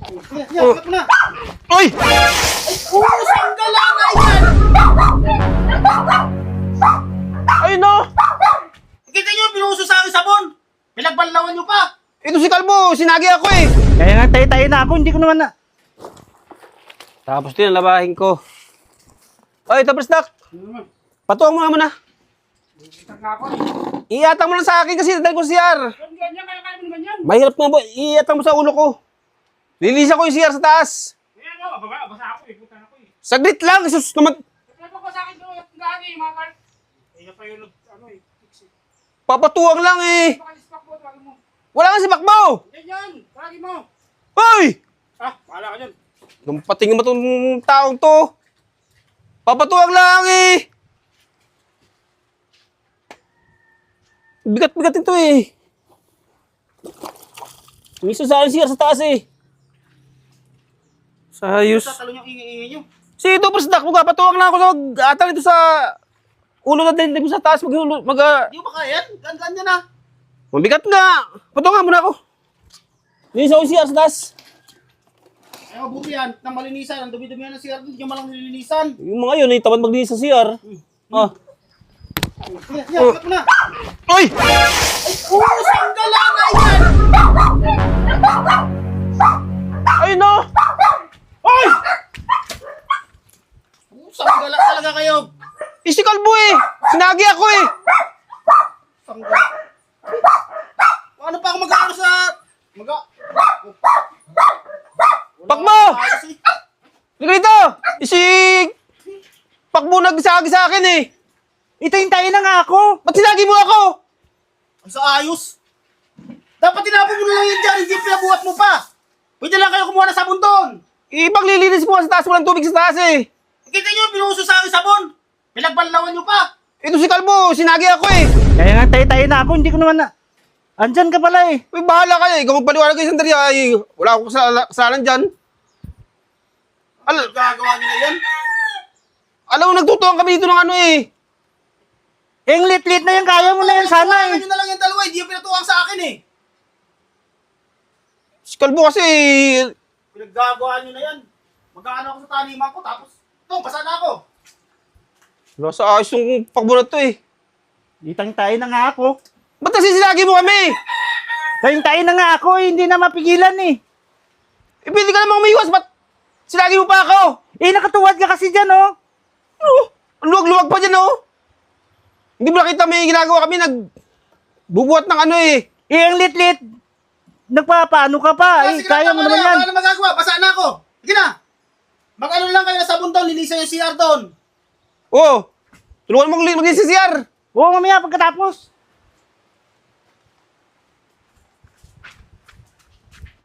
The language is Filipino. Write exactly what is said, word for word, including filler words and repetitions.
Yan, Oh. yan, na. Oy! Oo, sanggala na yan! Ay no! Kita nyo, pinuso sa akin sabon! Pinagbanlawan nyo pa! Ito si Kalbo, sinagi ako eh. Kaya nga tayo-tayo na ako, hindi ko naman na. Tapos din, labahin ko. Oy, tapos nak. Patuwang mo naman na. Iatang mo lang sa akin kasi dahil ko si C R. Ganyan, kaya kaya mo naman yan! Mahirap nga ba? Iatang mo sa ulo ko. Lilisa ko yung C R sa taas. Kaya mo, baba, basa ako eh, puta na ko eh. Saglit lang, sus naman. Kaya ko sa akin doon, yung gagi, mga kar... Eh, pa yun, ano eh, fix eh. Papatuwang lang eh. Pakalispak mo, tawagin mo. Wala nga si Bakbaw. Ganyan, tawagin mo. Hoy! Ah, pahala ka dyan. Patingin mo itong taong to. Papatuwang lang eh. Bigat-bigat ito eh. Misa sa akin C R sa taas eh. Sayos. Tatalo yung ingi-ingi nyo. Si ito, Presdak, magpapatuwang lang ako sa mag-atang ito sa ulo na din sa taas. Mag, mag, Di mo ba kaya yan? Gandaan nyo na. mabigat nga. Patuwangan muna ako. Linis ako yung C R sa taas. Ay, mabuti yan. Nang malinisan, ang dumi-dumi yan ng C R, hindi nyo malang nilinisan. Yung mga yun, ay tamad maglinis sa C R. Ah. Yan, yan, Oh. kat mo na. Oy! Oo, sanggala na yan! Ay no! Hoy! Oo, sanggala talaga kayo. Eh, si Kalbo eh! Sinagi ako eh! Sanggala. Paano pa ako mag-ano sa... Mag- Pakbo! Ayos eh. Liga dito! Eh, si... Pakbo nagsagi sa akin eh! Itayin-tayo na nga ako. Ba't sinagi mo ako? Ang sa ayos. Dapat tinapon mo na lang yan dyan, hindi pinabuhat mo pa. Pwede lang kayo kumuha ng sabon doon. Ipaglilinis mo nga sa taas, walang tubig sa taas eh! Kita nyo, pinuso sa akin sabon. Pinagbanlawan nyo pa. Ito si Kalbo, sinagi ako eh! Kaya nga tayo-tayo na ako, hindi ko naman na. Andyan ka pala eh. Uy, bahala kayo eh! Ikaw magpaliwanag kayo sandali ay... Wala akong kasala- kasalanan dyan. Al Gagawa nyo na yan. alam mo, nagtutuwang kami dito ng ano eh! Eh, ang lit-lit na yan, kaya mo na yan sana Tuwangan eh. nyo na lang yung dalawa, hindi yung pinatuwang sa akin eh. Si Kalbo kasi... Pinaggagawa nyo na yan. Mag-aano ako sa taniman ko, tapos ito, basa na ako. Wala sa ayos yung pakbo na to eh. Itang-tayo na nga ako. Ba't nasisilagi mo kami? Tayo-tayo na nga ako eh, hindi na mapigilan eh. Eh, pwede ka namang umiwas, ba't silagi mo pa ako? Eh, nakatuwad ka kasi dyan oh. Ano? Ang luwag-luwag pa dyan, oh. Hindi mo nakita may ginagawa kami, nag... bubuhat ng ano eh. Eh, ang lit-lit. Nagpapaano ka pa eh, Sige, kaya mo tama naman na, yan. Wala na magagawa, basa na ako. Sige na. Mag-ano lang kayo na sabon doon, linisan yung C R doon. Oo. Oh, tulungan mo mag-linis sa C R. Oo, mamaya pagkatapos.